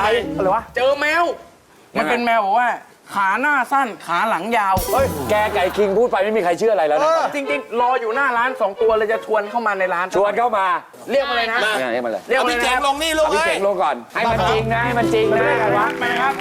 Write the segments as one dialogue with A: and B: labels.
A: อะไรวะเจอแมวมันเป็นแมวบอกว่าขาหน้าสั้นขาหลังยาวเฮ้ย
B: แกไก่คิงพูดไปไม่มีใครเชื่ออะไรแล้วนะ
A: จริงๆรออยู่หน้าร้าน2 ตัวเลยจะชวนเข้ามาในร้าน
B: ชวนเข้ามา
A: เรียกมาเลยนะ
B: เรียกมาเลย
A: เรียกมาเลย
C: พี่เจ๋งลงนี่ลูก
B: พี่เจ๋งลงก่อนให้มันจริงนะให้มันจริงนะวะ
A: ไปครับ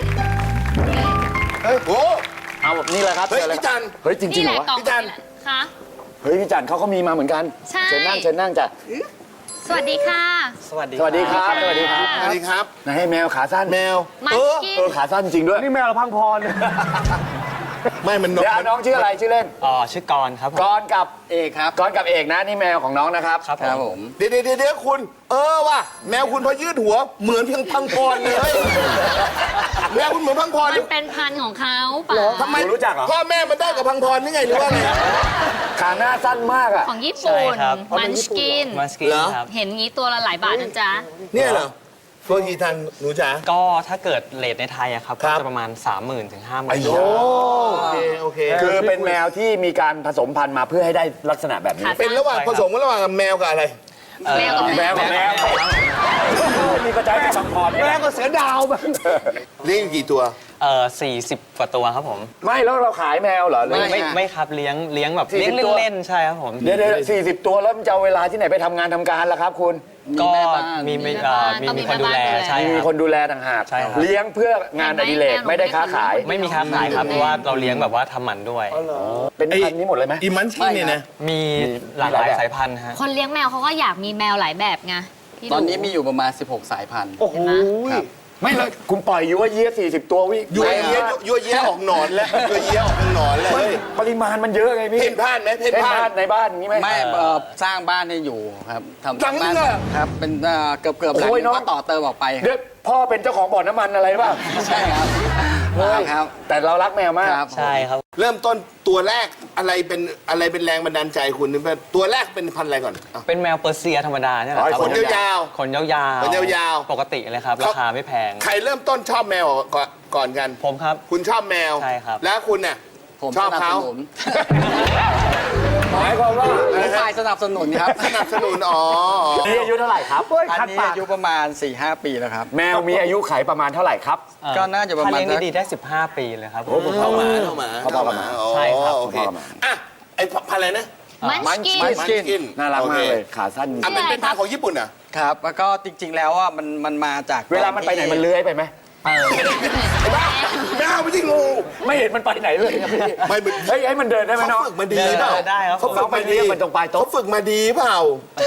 C: เฮ้ยโอ้
B: เอาแบบนี้เลยครับ
C: เฮ้ยพี่จัน
B: เฮ้ยจริงๆเหรอวะ
C: พี่จัน
D: ค่ะ
B: เฮ้ยพี่จันเขาก็มีมาเหมือนกัน
D: ใช่
B: เชิญนั่งจ้ะ
D: สวัสดีค่ะ
B: สวัสดีครับสวัสดีครับ
C: สวัสดีครับ
B: นายให้แมวขาสั้น
C: แมว
B: ขาสั้นจริงด้วย
A: นี่แมวเราพังพร
C: ไม่มัน
B: เดี๋ยวน้องชื่ออะไรชื่อเล่น
E: ชื่อกรครับ
B: กรกับเอกครับกรกับเอกนะนี่แมวของน้องนะครับ
E: ครับผม
C: เดี๋ยวคุณว่ะแมวคุณพอยืดหัวเหมือนเพียงพังพรเลยแมวคุณเหมือนพังพร
D: มันเป็นพันธุ์ของเขาป่ะ
C: ทำไม
B: รู้จักเหรอ
C: พ่อแม่มันได้กับพังพรนี่ไงหรือว่าไง
B: ขาหน้าสั้นมากอ่ะ
D: ของญี่ปุ่นมันสกิน
E: ครับ
D: เห็นงี้ตัวละหลายบาทนะจ๊ะ
C: เนี่ยเหรอตัวทีทันหนูจ๋า
E: ก็ถ้าเกิดเรทในไทยอะครับก็จะประมาณ 30,000 ถึง 50,000
C: โอเค
B: คือเป็นแมวที่มีการผสมพันธุ์มาเพื่อให้ได้ลักษณะแบบนี้
C: เป็นระหว่างผสมกันระหว่างแมวกับอะไร
D: แมวกับแมว
B: มีกระจายเป็นสังพร
A: แมวกับเสือดาวแบบ
C: เลี้ยงกี่ตัว
E: 40 กว่าตัวครับผม
B: ไม่แล้วเราขายแมวเหรอ
E: ไม่ครับเลี้ยงแบบเลี้ยงเล่นๆใช่ครับผม
B: เดี๋ยว40 ตัวแล้วมันจะเอาเวลาที่ไหนไปทำงานทำการล่ะครับคุณ
E: ก็มีคนดูแลใช่
B: มีคนดูแลต่างหากเลี้ยงเพื่องานอดิเรกไม่ได้ค้าขาย
E: ไม่มีค้าขายครับเพราะว่าเราเลี้ยงแบบว่าทำหมันด้วย
B: เป็นพันธุ์นี้หมดเลยไหม
C: อีมันชี่เนี่ยนะ
E: มีหลากหลายสายพันธุ์ฮะ
D: คนเลี้ยงแมวเขาก็อยากมีแมวหลายแบบไง
F: ตอนนี้มีอยู่ประมาณ16 สายพันธุ์
B: โอ้โหไม่เลยคุณปล่อยยั่วเยี้ย40 ตัววิ
C: ยั่วเยี้ยออกหนอนแล้วยั่วเยี้ยออกหนอนเลย
B: ปริมาณมันเยอะไงพี่
C: เพ่นพ่านไหมเพ่นพ่าน
B: ในบ้านนี้ไหม
F: ไม่สร้างบ้านให้อยู่ครับทำ
C: บ้าน
F: ครับเป็นเกือบหลังก็ต่อเติมออกไป
B: เดี๋ยวพ่อเป็นเจ้าของบ่อน้ำมันอะไรป่ะ
F: ใช่ครับ
B: ครับแต่เรารักแมวมาก
E: ใช่ครับ
C: เริ่มต้นตัวแรกอะไรเป็นแรงบันดาลใจคุณตัวแรกเป็นพันธุ์อะไรก่อน
E: เป็นแมวเปอร์เซียธรรมดาเนี่ยแหละครับ
C: ขนยาว
E: ขนยาวปกติเลยครับราคาไม่แพง
C: ใครเริ่มต้นชอบแมวก่อนกัน
E: ผมครับ
C: คุณชอบแมว
E: ใช่ครับ
C: แล้วคุณเนี่ย
F: ผม
C: ชอบเขา
B: หมายความว่า
F: ฝ่ายสนับสนุนครับ
C: สนับสนุน
B: นี่อายุเท่าไหร่ครับ
F: อันนี้อายุประมาณ 4-5 ปีแล้วครับ
B: แมวมีอายุขัยประมาณเท่าไหร่ครับ
F: ก็น่าจะประมาณ
E: ถ้าเลี้ยงดีได้15 ปีเลยครับ
C: เข้ามา
E: ใช่ครับ
C: โอเคอ่ะไอ้พันธุ์อะไรนะ
D: มันส
C: กิน
B: น่ารักมากเลยขาสั้น
C: เป็นพันธุ์ของญี่ปุ่นอ่ะ
F: ครับแล้วก็จริงๆแล้วว่ามันมาจาก
B: เวลามันไปไหนมันเลื้อยไปไหม
C: แมวไม่ใช่งู
B: ไม่เห็นมันไปไหนเลยครับพี่
C: ไม่
B: เฮ้ยให้มันเดินได้ไหมน้อง
C: เขาฝึกมาดีเปล่า
E: ได้ครับ
C: เขาฝึกมาดี
B: มันตรงปลายโต๊ะ
C: เขาฝึกมาดีเปล่า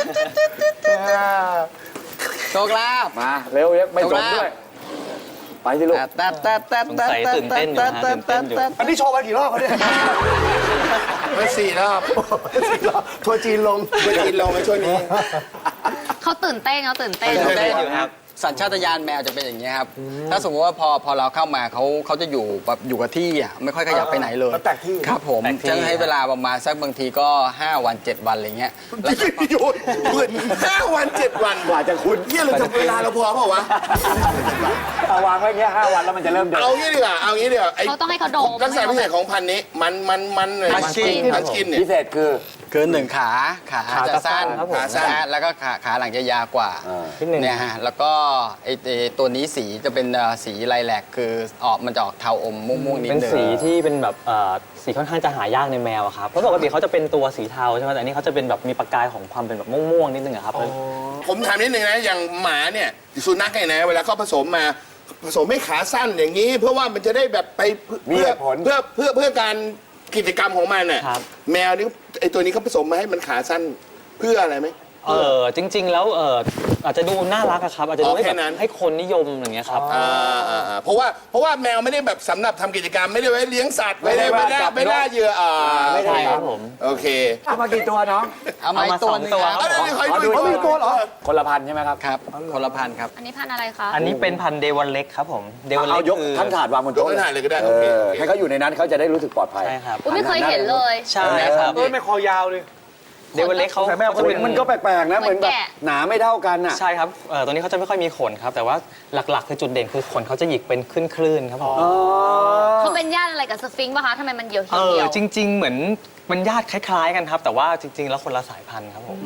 F: โชคลาภ
B: มาเร็วไม่จบด้วยไปสิลูก
E: ตื่นเต้นอยู่
A: อันนี้โชว์มากี่รอบเขาเนี่ย
C: มา4 รอบทัวร์จีนลงในช่วงนี้
D: เขาตื่นเต้น
F: อยู่ครับสัญชาตญาณแมวจะเป็นอย่างนี้ครับถ้าสมมติว่าพอเราเข้ามาเขาจะอยู่แบบอยู่กับที่อ่ะไม่ค่อยขยับไปไหนเลย
C: แตกที่
F: ครับผมจะให้เวลาประมาณสักบางทีก็5 วัน 7 วันอะไรเงี้ย
C: แล้วอยู่5 วัน 7 วัน
B: กว่าจะคุ้น
C: เนี่ยเราจะเวลาเราพอเปล่าวะ
B: เอาวางไว้เงี้ย5 วันแล้วมันจะเริ่มเดิน
C: เอางี้ดีกว่า
D: เขาต้องให้เขาดม
C: ลักษณะพิเศษของพันธุ์นี้มันสกินเนี่ย
B: พิเศษคือ
F: 1 ขาจะสั้นแล้วก็ขาหลังจะยาวกว่าเนี่ยฮะแล้วก็ไอตัวนี้สีจะเป็นสีไลแลกคือมันจะออกเทาอมม่วงๆนิดนึง
E: เป็นสีที่เป็นแบบสีค่อนข้างจะหายากในแมวครับเพราะปกติเขาจะเป็นตัวสีเทาใช่ไหมแต่อันนี้เขาจะเป็นแบบมีประกายของความเป็นแบบม่วงๆนิดนึงครับ
C: ผมถามนิดนึงนะอย่างหมาเนี่ยสุนัขเนี่ยนะเวลาเขาผสมให้ขาสั้นอย่างนี้เพื่อว่ามันจะได้แบบไปเพื่อการกิจกรรมของมันน่ะแมวนี่ไอตัวนี้เขาผสมมาให้มันขาสั้นเพื่ออะไรไหม
E: จริงๆแล้วอาจจะดูน่ารักครับอาจจะดูให้คนนิยมอย่างเงี้ยครับ
C: เพราะว่าแมวไม่ได้แบบสำหรับทำกิจกรรมไม่ได้ไว้เลี้ยงสัตว์ไม่ได้เหยื่อ
E: ไม่ใช่ครับผม
C: โอเค
B: เอามากี่ตัวน้อง
F: เอามาตัวนึง
C: เขามีตัวเหรอ
B: คนละพันใช่ไหมครับ
F: ครับคนละพันครับ
D: อันนี้พันอะไรคะ
E: อันนี้เป็นพันเดวอนเล็กครับผม
B: เดวอนเล็กคือทั้งถาดวางบนโต๊ะ
C: เลยก็ได้
B: ให้เขาอยู่ในนั้นเขาจะได้รู้สึกปลอดภัย
E: ใช่ครับ
D: ไม่เคยเห็นเลย
E: ใช่ครับ
A: ไม่คอยาวเลย
E: เดวอนเล็กเขา
B: มันก็แปลกๆนะเหมือนแบบหนาไม่เท่ากันอ่ะ
E: ใช่ครับตัวนี้เขาจะไม่ค่อยมีขนครับแต่ว่าหลักๆคือจุดเด่นคือขนเขาจะหยิกเป็นคลื่นๆครับผม
D: เขาเป็นญาติอะไรกับสฟิงค์ป่ะคะทำไมมันเหี่ยว
E: จริงๆเหมือนมันญาติคล้ายๆกันครับแต่ว่าจริงๆแล้วคนละสายพันธุ์ครับผม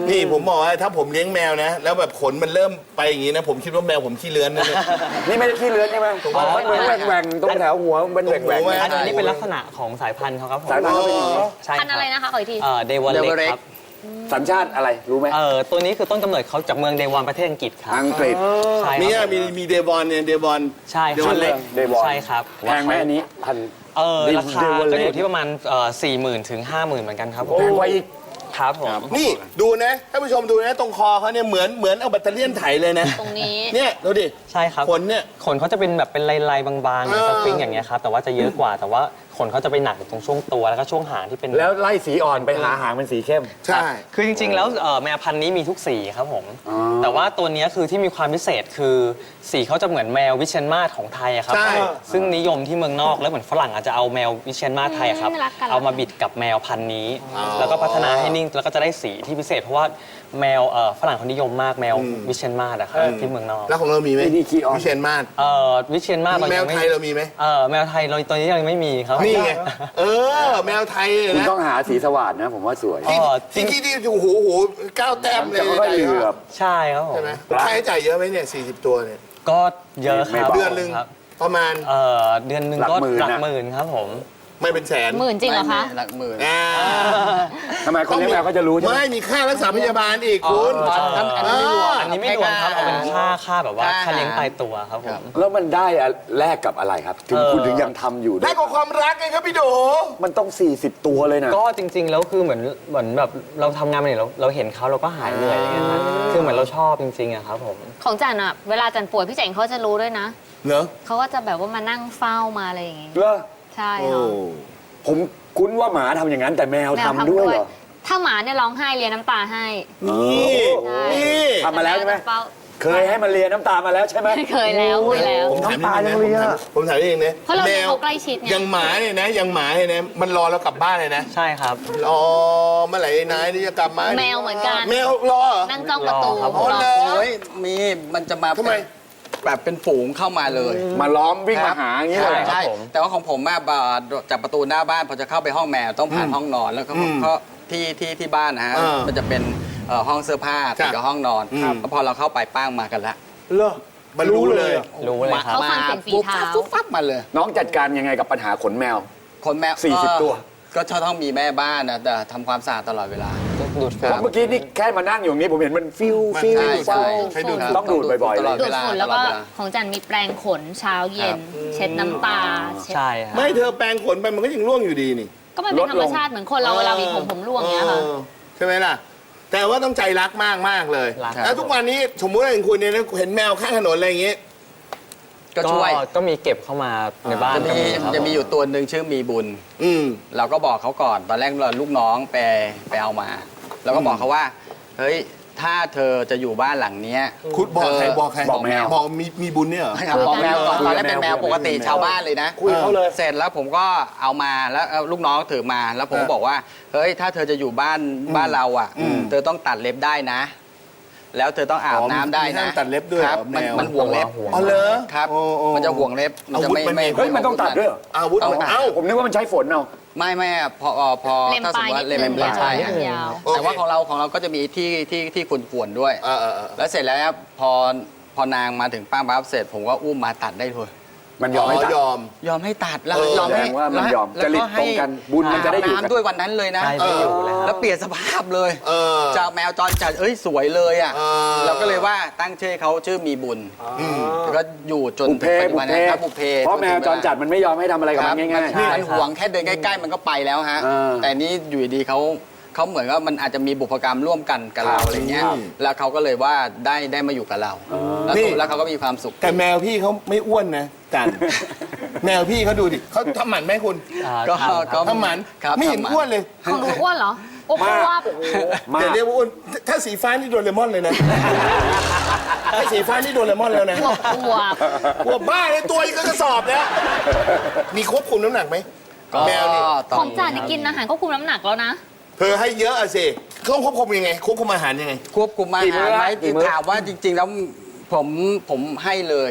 C: นี่ผมบอกว่าถ้าผมเลี้ยงแมวนะ แล้วแบบขนมันเริ่มไปอย่างนี้นะ ผมคิดว่าแมวผมขี้เลื้อนนะเนี่ย
B: นี่ไม่ได้ขี้เลื้อนใช่ไหมมันเหมือนแหว่งๆตรงแถวหัวมันเป็นแหว่ง
C: ตรงหัว
E: อันนี้เป็นลักษณะของสายพันธุ์เขาครับผม
B: สายพันธุ์เขาเป็นอย่างนี้
E: ใช่
D: พันธุ์อะไรนะคะขออีกที
E: เดวอนเล็กครับ
B: สัญชาติอะไรรู้ไหม
E: ตัวนี้คือต้นกำเนิดเขาจากเมืองเดวอนประเทศอังกฤษครับ
B: อังกฤษ
E: ใช่ค
C: นี่
E: รับ
C: มีเดบอนเนี่ยเดบอน
E: ใช่
C: เดวอนเล็ก
B: เดวอน
E: ใช่ครับ
B: แพงไหมอันนี้พัน
E: ราคาก็อยู่ที่ประมาณ40,000 ถึง 50,000เหมือนกันครับผม
B: แพงกว่าอีก
E: ครับผม
C: นี่ดูนะท่านผู้ชมดูนะตรงคอเขาเนี่ยเหมือนเอาแบตเตอรี่ไถเลยนะ
D: ตรงนี้
C: เนี่ยดูดิ
E: ใช่ครับ
C: ขนเนี่ย
E: ขนเขาจะเป็นแบบเป็นลายๆบางๆเหมือนสฟิงค์อย่างเงี้ยครับแต่ว่าจะเยอะกว่าแต่ว่าขนเขาจะไปหนักตรงช่วงตัวแล้วก็ช่วงหางที่เป็น
B: แล้วไล่สีอ่อนไปหาหางเป็นสีเข้ม
C: ใช่
E: คือจริงๆ แล้วแมวพันธุ์นี้มีทุกสีครับผม แต่ว่าตัวเนี้ยคือที่มีความพิเศษคือสีเขาจะเหมือนแมววิเชียรมาศของไทยอะครับ
C: ใช่
E: ซึ่งนิยมที่เมืองนอกแล้วเหมือนฝรั่งอาจจะเอาแมววิเชียรมาศไทยอะครับ
D: รักกัน
E: เอามาบิดกับแมวพันธุ์นี้ แล้วก็พัฒนาให้นิ่งแล้วก็จะได้สีที่พิเศษ เพราะว่าแมวฝรั่งเขานิยมมากแมววิเชียรมาศอะครับที่เมืองนอก
C: แล้วของเรามีไหม
B: นี่ขี้อ่อน
C: วิเชียรมาศ
E: วิเชียรมาศเรา
C: แม
E: ยั
C: ว
E: งไม่
C: ไทยเรามีไหม
E: แมวไทยเราตัวนี้ยังไม่มีครับ
C: นี่ไงแมวไทย
B: คุณ
C: นะ
B: ต้องหาสีสว่านนะ ผมว่าสวย
C: ที่โอ้โหก้าวแต้มเลย
B: จะค่อยๆเหลือบ
E: ใช่ครับผม
C: ใช่ไหมค่าใช้จ่ายเยอะไหมเนี่ย40 ตัวเนี่ย
E: ก็เยอะครับ
C: เดือนหนึ่ง
E: ครับ
C: ประมาณ
E: เดือนหนึ่ง
B: หลัก
E: ก็
B: หมื่น
E: หลัก
B: นะ
E: หมื่นครับผม
C: ไม่เป็นแสน
D: หมื่นจริงเหรอคะ
F: หลักหมื่น
C: อ่า
B: ทำไมคนเลี้ยงแมวเขาจะรู้ใช่ไหม
C: ไม่มีค่ารักษาพยาบาลอีกคุณ
E: อันนี้ไม่รวมครับเอาเป็นค่าแบบว่าค่าเลี้ยงตายตัวครับผม
B: แล้วมันได้อะแลกกับอะไรครับ ถึงคุณถึงยังทำอยู่
C: ได้กับความรักไงครับพี่โด
B: มันต้อง 40 ตัวเลยนะ
E: ก็จริงๆแล้วคือเหมือนแบบเราทำงานมาเนี่ยเราเห็นเขาเราก็หายเหนื่อยอย่างเงี้ยครับคือเหมือนเราชอบจริงๆอะครับผม
D: ของจันอะเวลาจันป่วยพี่เจ๋งเขาจะรู้ด้วยนะ
C: เนอะ
D: เขาก็จะแบบว่ามานั่งเฝ้ามาอะไรอย่างงี้
B: เหรอ
D: ใช่
C: โอ้
D: ค่ะ
B: ผมคุ้นว่าหมาทำอย่างนั้น แต่แมว
D: แมว
B: ทำด้วยเหรอ
D: ถ้าหมาเนี่ยร้องไห้เลียน้ำตาให้
C: นี่
D: ใช่
C: นี่
B: ทำมาแล้วใช่ไหม
D: เฝ้า
B: เคยให้มันเลียน้ำตามาแล้วใช่ไหม
D: เคยแล้วเคยแล้ว
C: ผมถามนิดนึงนะผมถามนิดนึงนะ
D: เพราะเราเลี้ยงเขาใกล้ชิดไง
C: ยังหมาเนี่ยนะยังหมาเนี่ยนะมันรอเรากลับบ้านเลยนะ
E: ใช่ครับ
C: รอเมื่อไหร่นายนี่จะกลับมา
D: แมวเหมือนกัน
C: แมวรอเหรอ
D: นั่งจ้องประตู
E: รอครับ
C: อ๋อเหรอ
F: โอ้ยมีมันจะมา
C: ทำไม
F: แบบเป็นฝูงเข้ามาเลย
B: มาล้อมวิ่งมาหาอย่างนี้
F: ใช่
B: เลย
F: ใช่
E: ครับผม
F: แต่ว่าของผมอะจากประตูหน้าบ้านพอจะเข้าไปห้องแมวต้องผ่านห้องนอนแล้วก็ที่บ้านนะฮะ มันจะเป็นห้องเสื้อผ้าติดกับห้องนอนแล้วพอเราเข้าไปป้างมากันละ
C: เหรอมันรู้เลย
E: รู้เลยครับ
D: เขาฟังเสียงฝีเท้า
F: ปุ๊บปั๊บมาเลย
B: น้องจัดการยังไงกับปัญหาขนแมว
F: คนแมว
B: 40ตัว
F: ก็ต้องมีแม่บ้านนะแต่ทำความสะอาดตลอดเวลา
E: ดูด
B: เพราะเมื่อกี้นี่แค่มานั่งอยู่ตรงนี้ผมเห็นมันฟิวฟิว
F: ใช่ใช่
C: ใช้ดูด
F: ครับ
B: ต้องดูดบ่อยๆ
F: ตลอด
D: ดู
F: เว
D: ด
F: ลา
D: ฝุ่นแล้วก็
F: ตอดเา
D: ของจันมีแปรงขนเช้าเย็น เช็ดน้ำตาเช็ด
E: ใช่ครับ
C: ไม่เธอแปรงขนไปมันก็ยังร่วงอยู่ดีนี่
D: ก็มันเป็นธรรมชาติเหมือนคนเราเวลามีผมร่วงเงี้ยค่ะ
C: ใช่ไหมล่ะ แต่ว่าต้องใจรักมากเลย
E: รัก
C: แล้วทุกวันนี้สมมุติว่าอย่างคุณเนี่ยนะเห็นแมวข้างถนนอะไรอย่างเงี้ย
F: ก็ช่วย
E: ก็มีเก็บเข้ามาในบ้าน
F: จะมีอยู่ตัวหนึ่งชื่อมีบุญ
C: อืม
F: เราก็บอกเขาก่อนตอนแรกเราลูกน้องไปเอามาเราก็บอกเขาว่าเฮ้ยถ้าเธอจะอยู่บ้านหลังเนี้ย
C: คุณบอกใครบอกใคร
B: บอกแมว
C: บอกมีบุญเนี่ยเหรอ
F: บอกแมวก่อน
B: คุย
F: ตอน
B: กับ
F: แรกเป็น
B: แม
F: แม
B: ว
F: วปกติ
B: คุยกับแมว
F: ชาวบ้านเลยนะ
B: คุยเขาเลย
F: เสร็จแล้วผมก็เอามาแล้วเอาลูกน้องถือมาแล้วผมก็บอกว่าเฮ้ยถ้าเธอจะอยู่บ้านเราอ่ะเธอต้องตัดเล็บได้นะ แล้วเธอต้องอาบน้ำได้
C: มีห้า
F: นะ
C: งตัดเล็บด้วยเหรอ
F: ครับมัน
C: แมว
F: มันห่วงเล็บ
C: อ๋อเหรอ
F: ครับ
C: โอ้โอ้
F: มันจะห่วงเล็บมันจะไม่
C: อาวุธมันมี
F: ไม่
B: เฮ้ยมันต้องตัดด้วยเหรอ
C: อาวุธ
F: ต้อง
C: มัน
F: ตัด
C: เอ้า
B: ผมนึกว่ามันใช้ฝนเอา
F: ไม่พอ
D: เล็ม
F: ถ้าส
D: ป
F: ม
D: ลาย
F: มติว่า
D: นิด
F: เล็ม
D: นึง
F: ปลายใช่
D: ยาว
F: ฮะ
D: ยาว
F: แต่ว่าของเราก็จะมีที่ข่วนๆด้วย
C: เออ
F: แล้วเสร็จแล้วพอนางมาถึงป้าปั๊บเสร็จผมก็อุ้มมาตัดได้เลย
B: มันยอมให้ตัด
C: ยอม
F: ยอมให้ตัดแล้ว
C: เออ
F: ยอมให้
B: แสดงว่ามันยอม
F: แล้ว
B: จริต
F: ก็ให้
B: ตรงกันบุญมันจะได้อยู่กัน
F: น้ำด้วยวันนั้นเลยนะ
E: ใช่ไม่อยู่แล้ว
F: แล้วเปลี่ยนสภาพเลย
C: เออ
F: จากแมวจรจัดสวยเลยอ่ะ
C: เออ
F: เราก็เลยว่าตั้งชื่อให้เขาชื่อมีบุญแล้วก็อยู่จน
B: บุพเพ
F: ปัจจุ
B: บุ
F: บั
B: พ
F: น
B: เพ
F: นะครับบุพเพ
B: เพราะแมวจรจัดมันไม่ยอมให้ทำอะไรกับ
F: ค
B: มั
F: รับ
B: นง่าย
F: มันห่วงแค่เดินใกล้ๆมันก็ไปแล้วฮะ
B: เออ
F: แต่นี้อยู่ดีๆเขาเหมือนว่ามันอาจจะมีบุพกรรมร่วมกันกับเราอะไรเงี้ย แล้วเขาก็เลยว่าได้มาอยู่กับเรา แล้วเขาก็มีความสุข
C: แต่แมวพี่เขาไม่อ้วนนะจัน แมวพี่เขาดูดิเขาทำหมันไหมคุณ
F: ก็
C: ทำหมัน
F: ครับ
C: ไม่เห็น
F: ทำหมัน
C: อ้วนเลย
D: ของหนูอ้วนเหรอโอ้โหว่า
B: ๆมา
C: แต่เรียกว่าอ้วนถ้าสีฟ้านี่โดนเลมอนเลยนะ ถ้าสีฟ้านี่โดนเลมอนแล้วนะ
D: อวบ
C: หัวบ้าเลยตัวอีกก็กระสอบแล้วมีควบคุมน้ำหนักไหม
F: ก็
C: แมวนี่
F: ต้
D: ของจ่านี่กินอาหารควบคุมน้ำหนักแล้วนะ
C: เธอให้เยอะอะสิเขาควบคุมยังไงควบคุมอาหารยังไง
F: ควบคุมอา
B: กี่มื้
F: หาร
B: อ
F: ไหม
B: กี่มื้อ
F: ถามว่าจริง ๆ แล้วผมให้เลย ผ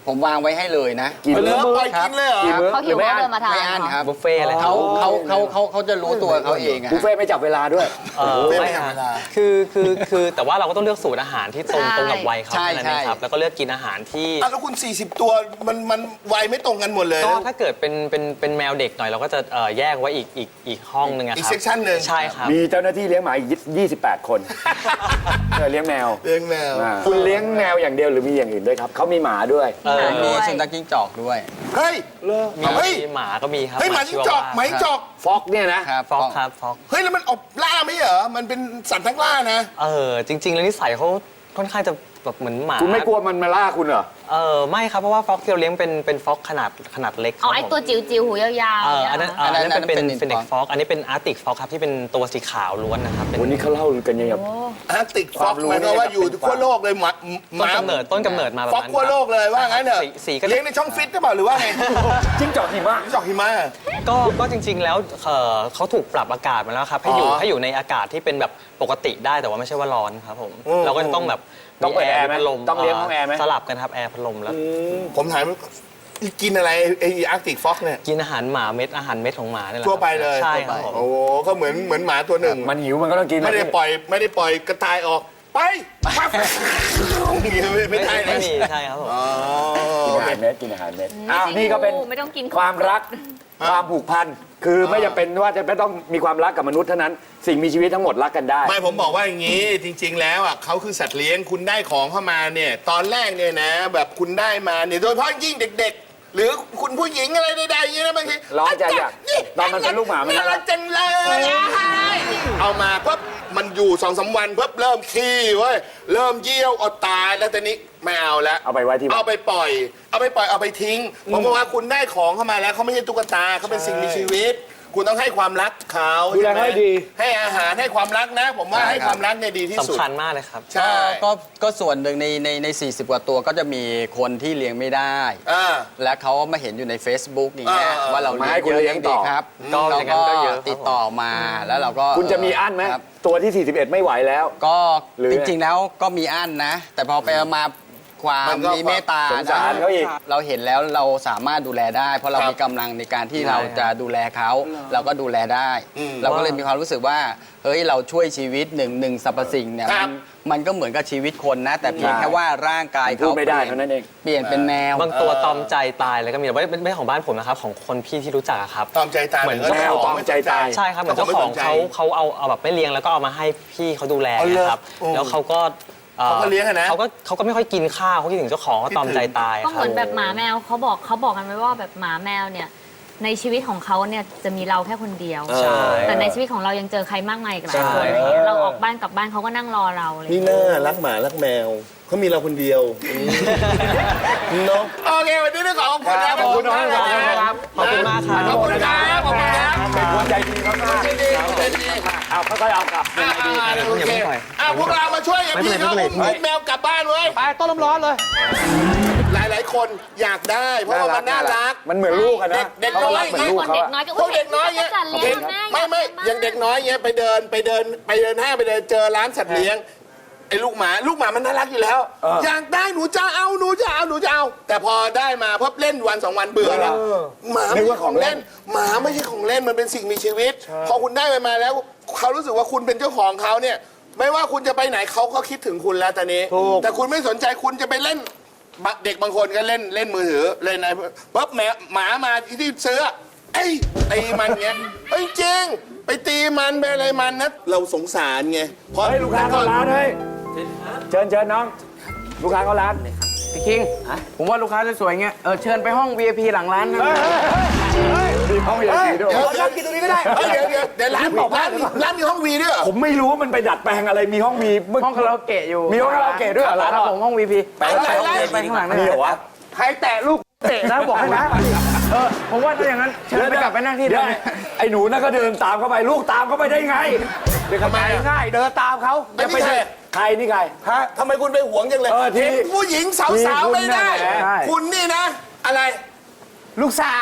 F: ผมวางไว้ให้เลยนะ
B: กี่
C: เหลื
B: มื้
C: อ
B: อ
C: ปล่อยกินเลยเหรอ
B: กี่มื้อ
D: เขา
B: ห
D: หิ
B: รือ
D: ว
B: ไม่
D: เขา
B: อั้น
D: เดินมาทาน
F: ไม่อั้นครับ
E: บุฟเฟ่ต์เลยครับ
F: เขาจะรู้ตัวเขาเองอะ
B: บุฟเฟ่ต์ไม่จับเวลาด้วย
E: ไม่ฮะคือแต่ว่าเราก็ต้องเลือกสูตรอาหารที่ตรงกับวัยเขา
F: ใช่
E: แค่นั้นเองครับ แล้วก็เลือกกินอาหารที่
C: อ่ะแล้วคุณ 40 ตัวมันวัยไม่ตรงกันหมดเลย
E: ก็
C: นะ
E: ถ้าเกิดเป็นแมวเด็กหน่อยเราก็จะแยกไว้อีกห้องหนึงอะครับ
C: อีก section หนึ่ง
E: ใช่ครับ
B: มีเจ้าหน้าที่เลี้ยงหมาอีก28 คนเลี้ยงแมว
C: เลี้ยงแมว
B: คุณเลี้ยงแมวอย่างเดียวหรือมีอย่างอื่นด้วยครับเขามีหมาด้วย
F: มีสุนัขจิ้งจอกด้วย
C: เฮ้ย
E: มี
C: เฮ้ย
E: หมาก็มีครับ
C: เฮ้ยหมาจิ้งจอกหมาจิ้งจอก
B: ฟอกเนี่ยนะ
F: ครับ
E: ฟอกครับฟอก
C: เฮ้ยแล้วมันออกล่าไม่เหรอ มันเป็นสัตว์ทั้งล่านะ
E: จริง ๆ แล้วนิสัยเขาค่อนข้างจะแบบเหมือนหมา
B: คุณไม่กลัวมันมาล่าคุณเหรอ
E: ไม่ครับเพราะว่าฟอกที่เราเลี้ยงเป็นฟอกขนาดเล็กครับ
D: เอาไอ้ตัวจิ๋วๆหูยาวๆ
E: อันนั้น
F: อันนั้น
E: เป็น
F: เป็น
E: เฟนเน็กฟอกอันนี้เป็นอาร์ติกฟอกครับที่เป็นตัวสีขาวล้วนนะครับเป็น
B: วันนี้เขาเล่ากันยังไง
C: อาร์ติกฟ
B: ควา
C: อก
B: มรู้
C: หมายความว่าอยู่
B: เนี่ย
C: ทั่วโลกเลยหมา
E: ต้นกำเนิดมาแบบ
C: ฟอก
E: นั้น
C: ทั่วโลกเลยว่างั้นเหรอ
E: สีก็
C: เลี้ยงในช่องฟิตหรือเปล่าหรือว่าไง
B: จิ้งจอกหิมะ
C: จิ้งจอกหิมะ
E: ก็จริง ๆ แล้วเขาถูกปรับอากาศมาแล้วครับให้อยู่ในอากาศที่เป็นแบบปกติได้แต่ว่าไม่ใช่ว่าร้อนครับผมเราก็จะต้องแบบ
B: ต้องเปิดแอร์ไหม
E: พัดลม
B: ต้องเลี้ยงห้องแอร์ไหม
E: สลับกันครับแอร์พัดลมแล้ว
C: ผมถามกินอะไรไอ้อาร์ติกฟอกเนี่ย
E: กินอาหารหมาเม็ดอาหารเม็ดของหมาเนี่ยแหละ
C: ทั่วไปเลย
E: ใช่ครับผม
C: โอ้โหก็เหมือนหมาตัวหนึ่ง
B: มันหิวมันก็ต้องกิน
C: ไม่ได้ปล่อยกระต่ายออกไปปั๊บไม่ได้
E: ไม่
C: นะ
E: มีใช่ครับผม
B: กินอาหารเม็ดกินอาหารเม็ดอ้าวนี่ก็เป็น
D: ไม่ต้องกิน
B: ความรักความผูกพันคือไม่จำเป็นว่าจะไม่ต้องมีความรักกับมนุษย์เท่านั้น สิ่งมีชีวิตทั้งหมดรักกันได้
C: ไม่ผมบอกว่าอย่างนี้จริง ๆ แล้วอ่ะเขาคือสัตว์เลี้ยงคุณได้ของเข้ามาเนี่ยตอนแรกเนี่ยนะ แบบคุณได้มาเนี่ยโดยเฉพาะยิ่งเด็ก ๆ หรือคุณผู้หญิงอะไรใดๆอย่างนี้นะบางที
B: ร้องใจอยากตอนมันเป็นลูกหมามัน
C: น่ารักจังเลยเอามาปุ๊บมันอยู่2-3 วันปุ๊บเริ่มขี้เว้ยเริ่มเยี่ยวอดตายแล้วตอนนี้ไม่เอาแล้ว
B: เอาไปไว้ที่บ้าน
C: เอาไปปล่อยเอาไปทิ้งผมบอกว่าคุณได้ของเข้ามาแล้วเขาไม่ใช่ตุ๊กตาเขาเป็นสิ่งมีชีวิต คุณต้องให้ความรักเขา
B: ดูแลให้ดี
C: ให้อาหารให้ความรักนะ ผมว่าให้ความรักเนี่ยดีที่สุด
E: สำคัญมากเลยครับ
C: ใช่
F: ก็ส่วนหนึ่งใน40 กว่าตัวก็จะมีคนที่เลี้ยงไม่ได้
C: อ่า
F: และเขามาเห็นอยู่ใน Facebook อย่างเงี้ย
C: ว่า
F: ว่าเรา
B: มาให้คุณเลี้ยงต่อ
F: ดีครับ
E: ก็
F: เรา
E: อย่างนั้
F: ก็
E: นก็เยอะครับ
F: ติดต่อมาแล้วเราก็
B: คุณจะมีอั้นไหม
F: ครับ
B: ตัวที่ 41 ไม่ไหวแล้ว
F: ก็
B: หรือ
F: จริงๆแล้วก็มีอั้นนะ แต่พอไปมาความ
C: มันก็
F: มีเมตตา
B: สงสารเขาอีก
F: เราเห็นแล้วเราสามารถดูแลได้ เพราะเรา
C: ครับ
F: มีกำลังในการที่เราจะดูแลเขาเราก็ดูแลได้ เราก็เลยมีความรู้สึกว่าเฮ้ยเราช่วยชีวิตหนึ่งสรรพสิ่งเนี่ย
C: ครับ
F: มันก็เหมือนกับชีวิตคนนะ แต่เพียงแค่ว่าร่างกาย
B: พูด
F: เขา
B: ไม่ได้เท่านั้นเอง
F: เปลี่ยนเป็นแมว
E: บางตัวตอมใจตายเลยก็มีแต่ว่าไม่ใช่ของบ้านผมนะครับของคนพี่ที่รู้จักอะครับ
C: ตอมใจตาย
E: เหมือน
C: ก็
B: แมวตอมใจตาย
E: ใช่ครับเหมือนเจ้าของเขาเอาแบบไม่เลี้ยงแล้วก็เอามาให้พี่เขาดูแล
C: อ๋อเหรอ
E: นะครับ
C: โอ้
E: แล้วเขาก็
C: เขาก็เลี้ยงอะนะ
E: เขาก็ไม่ค่อยกินข้าวเขาคิดถึงเจ้าของเขาตอมใจตาย
D: ก็
E: ค
D: เห
E: รับ
D: มือนแบบหมาแมวเขาบอกกันไว้ว่าแบบหมาแมวเนี่ยในชีวิตของเขาเนี่ยจะมีเราแค่คนเดียว
E: ใช่
D: แต่ในชีวิตของเรายังเจอใครมากมายอีกหลาย
E: ใช่
D: คนอะไรเงี้ยเราออกบ้านกลับบ้านเขาก็นั่งรอเราเลย
C: นี่น่ารักหมารักแมวเขามีเราคนเดียวเนาะโอเควันนี้ต้องขอบคุณนะ
B: ขอบคุณน้องครับ
E: ขอบคุณมากครับ
C: ขอบคุณครับขอบคุณครับ
B: เป็นคนใจดีมาก
C: ใจดีใจดี
B: ๆเอาค่อยๆเอากลับเป็นไงดี
C: โอเคพวกเรามาช่วยกันพี่เขาอุ้มแมวกลับบ้านเว้ย
A: ไปต้นลมร้อนเลย
C: หลายๆคนอยากได้ เพราะว่ามันน่ารัก
B: มันเหมือนลูกอะนะ
C: เด็ก
B: เขา
C: น้
B: ก็
C: อย
B: รักเหมือนลูกเขา
D: เด็ก
B: อะ
D: น้อยก็
C: พวกเด็กน้อยเงี้ย
D: จัดเลี้ยงแม่
C: ไม่อย่างเด็กน้อยเงี้ยไปเดินห้างไปเดินเจอร้านสัตว์เลี้ยงไอ้ลูกหมามันน่ารักอยู่แล้ว อยากได้หนูจะเอา แต่พอได้มาเพิ่เล่นวัน2 วันเบื่อแล้วหมาไม่ใช่ของเล่นหมาไม่ใช่ของเล่นมันเป็นสิ่งมีชีวิต พอคุณได้มาแล้วเขารู้สึกว่าคุณเป็นเจ้าของเขาเนี่ย ไม่ว่าคุณจะไปไหนเขาก็คิดถึงคุณแล้วตอนนี้ แต่คุณไม่สนใจคุณจะไปเล่นเด็กบางคนก็เล่นมือถือเล่นอะไรปุ๊บหมามาที่ซื้อตีมันเงี้ยจริงไปตีมันไปอะไรมันนะเราสงสารไงเพราะ
B: เฮ้ยลูกค้าเข้าร้านเฮ้ยเชิญน้อง ลูกค้าเข้าร้าน
A: พี่คิง ผมว่าลูกค้าสวยๆเงี้ย เชิญไปห้อง VIP หลังร้านนะ
B: มีห้องวีไอพีด้วย
C: เดี๋ยวกินตรงนี้ก็ได้เดี๋ยวร้านบอกร้านมีห้องวีด้วยเหรอ
B: ผมไม่รู้ว่ามันไปดัดแปลงอะไรมีห้องวี
A: ห้องคาราโอเกะอยู่
B: มีห้องคาราโอเกะด้วยเหรอร้าน
A: ครับผมห้อง VIP ไปข้างหลัง
B: มีเหรอวะ
A: ใครแตะลูกเตะนะบอกให้นะผมว่าถ้าอย่างนั้นเชิญไปกลับไปนั่งที่เดิ
B: เดี๋ยว
A: ม
B: ไอ้หนูนั่นก็เดินตามเข้าไปลูกตามเข้าไปได้ไง
C: ทำไม
A: ง่ายเดินตามเขา
C: ไม่ใช่
B: ใครนี่ใคร
C: ฮะทำไมคุณไปหวงจังเลย
B: ที่
C: เห็นผู้หญิงสาวๆไม่ได้ คุณนี่นะ อะไร
A: ลูกสาว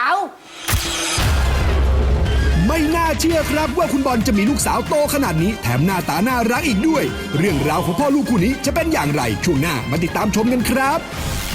G: ไม่น่าเชื่อครับว่าคุณบอลจะมีลูกสาวโตขนาดนี้แถมหน้าตาน่ารักอีกด้วย เรื่องราวของพ่อลูกคู่นี้จะเป็นอย่างไรช่วงหน้ามาติดตามชมกันครับ